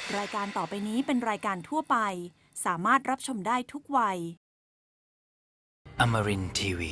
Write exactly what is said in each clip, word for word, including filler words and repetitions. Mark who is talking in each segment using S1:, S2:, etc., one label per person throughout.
S1: รายการต่อไปนี้เป็นรายการทั่วไปสามารถรับชมได้ทุกวัย
S2: Amarin ที วี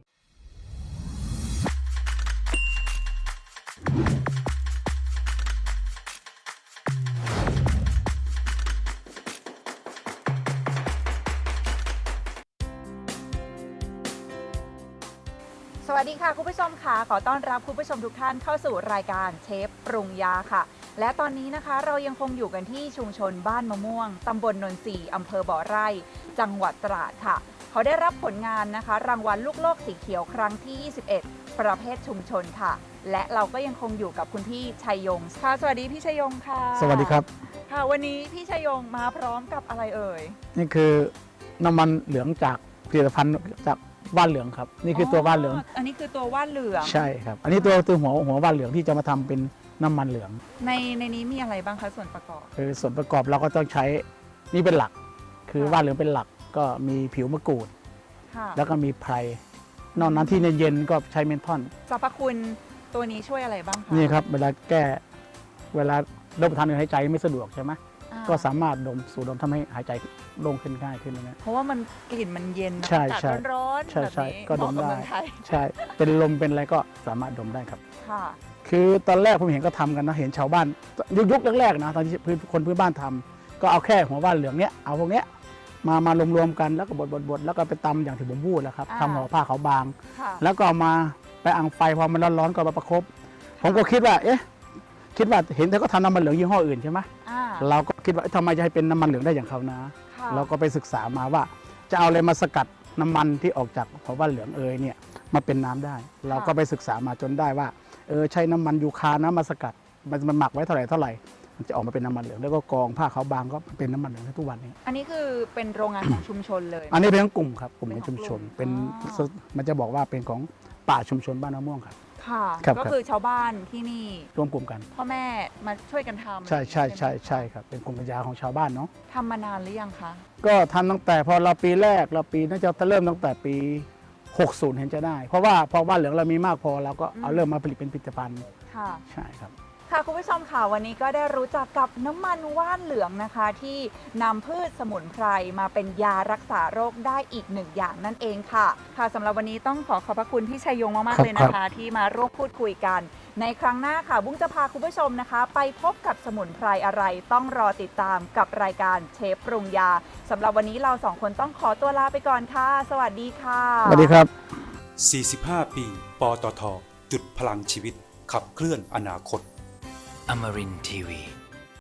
S3: สวัสดีค่ะคุณผู้ชมค่ะขอต้อนรับคุณผู้ชมทุกท่านเข้าสู่รายการเชฟปรุงยาค่ะและตอนนี้นะคะเรายังคงอยู่กันที่ชุมชนบ้านมะม่วงตำบลนนทรีอำเภอบ่อไร่จังหวัดตราดค่ะเขาได้รับผลงานนะคะรางวัลลูกโลกสีเขียวครั้งที่ยี่สิบเอ็ดประเภทชุมชนค่ะและเราก็ยังคงอยู่กับคุณพี่ชัยยงค่ะสวัสดีพี่ชัยยงค่ะ
S4: สวัสดีครับ
S3: ค่ะวันนี้พี่ชัยยงมาพร้อมกับอะไรเอ่ย
S4: นี่คือน้ำมันเหลืองจากผลิตภัณฑ์จากว่านเหลืองครับนี่คือตัวว่านเหลือง
S3: อันนี้คือตัวว่านเหลือง
S4: ใช่ครับอันนี้ตัวตัวหัวหัวว่านเหลืองที่จะมาทำเป็นน้ำมันเหลือง
S3: ในในนี้มีอะไรบ้างคะส่วนประกอบ
S4: คือส่วนประกอบเราก็ต้องใช้นี่เป็นหลัก คือว่านเหลืองเป็นหลักก็มีผิวมะกรูด
S3: ค่ะ
S4: แล้วก็มีไพรนอกนั้นที่เย็นๆก็ใช้เมนทอน
S3: สรรพคุณตัวนี้ช่วยอะไรบ้างคะ
S4: นี่ครับเวลาแก้เวลารับประทานอาหารหายใจไม่สะดวกใช่ไหม
S3: อ่า
S4: ก็สามารถดมสูดดมทำให้หายใจโล่งขึ้นง่ายขึ้นนะ
S3: เพราะว่ามันกลิ่นมันเย็นนะ
S4: ใช่
S3: อากาศ
S4: ใช่
S3: ร้อนๆ
S4: ใช่
S3: แบบ
S4: ใช่
S3: นี้
S4: ก็ดม
S3: เหาะกับ
S4: ได้
S3: เมืองไทย
S4: ใช่เป็นลมเป็นอะไรก็สามารถดมได้ครับ
S3: ค่ะ
S4: คือตอนแรกผมเห็นก็ทำกันนะเห็นชาวบ้านยุคยุคแรกๆนะตอนที่พื้นคนพื้นบ้านทำก็เอาแค่หัวว่านเหลืองเนี้ยเอาพวกเนี้ยมามารวมๆกันแล้วก็บดบดบดแล้วก็ไปตำอย่างที่ผมพูดแล้วครับ
S3: อ่า
S4: ทำห่อผ้าขาวบาง
S3: ค่ะ
S4: แล้วก็เอามาไปอังไฟพอมันร้อนๆก็มาประคบผมก็คิดว่าเอ๊ะคิดว่าเห็นแต่ก็ทำน้ำมันเหลืองยี่ห้ออื่นใช่ไหม
S3: อ่า
S4: เราก็คิดว่าเอ๊ะทำไมจะให้เป็นน้ำมันเหลืองได้อย่างเขานะ
S3: ค่ะ
S4: เราก็ไปศึกษามาว่า จะเอาอะไรมาสกัดน้ำมันที่ออกจากหัวว่านเหลืองเอยเนี่ยมาเป็นน้ำได้ เราก็ไปศึกษามาจนได้ว่าเออใช้น้ำมันยูคานะมาสกัดมันมันหมักไว้เท่าไหร่เท่าไหร่มันจะออกมาเป็นน้ำมันเหลืองแล้วก็กรองผ้าขาวบางก็เป็นน้ำมันเหลืองทุกวันนี้
S3: อันนี้คือเป็นโรงงานของชุมชนเลย
S4: อันนี้เป็นของกลุ่มครับกลุ่มในชุมชน
S3: เป็
S4: เป็น
S3: ของกลุ่ม
S4: มันจะบอกว่าเป็นของป่าชุมชนบ้านมะม่วงครับ
S3: ค่ะ
S4: ครับ
S3: ก็คือชาวบ้านที่นี่
S4: ร่วมกลุ่มกัน
S3: พ่อแม่มาช่วยกันทำ
S4: ใช่ใช่ใช่
S3: ไหม
S4: ใช่ครับเป็นกลุ่มปัญญาของชาวบ้านเนาะ
S3: ทำมานานหรือยังคะ
S4: ก็ทำตั้งแต่พอเราปีแรกเราปีน่าจะเริ่มตั้งแต่ปีหกสิบเห็นจะได้ เพราะว่าพอบ้านเหลืองเรามีมากพอเราก็เอาเริ่มมาผลิตเป็นผลิตภัณฑ์
S3: ค่ะ
S4: ใช่ครับ
S3: ค่ะคุณผู้ชมค่ะวันนี้ก็ได้รู้จักกับน้ำมันว่านเหลืองนะคะ ที่นำพืชสมุนไพรมาเป็นยารักษาโรคได้อีกหนึ่งอย่างนั่นเองค่ะ ค่ะสำหรับวันนี้ต้องขอขอบพระคุณพี่ชัยยงมาก
S4: ครั
S3: ๆ
S4: บ
S3: เลยนะคะ ที่มาร่วมพูดคุยกัน ในครั้งหน้าค่ะ บุ้งจะพาคุณผู้ชมนะคะ ไปพบกับสมุนไพรอะไร ต้องรอติดตามกับรายการเชฟปรุงยาสำหรับวันนี้เราสองคนต้องขอตัวลาไปก่อนค่ะ สวัสดีค่ะ
S4: สวัสดีครับ
S5: สี่สิบห้า ปี ปตท จุดพลังชีวิต ขับเคลื่อนอนาคต
S2: Amarin ที วี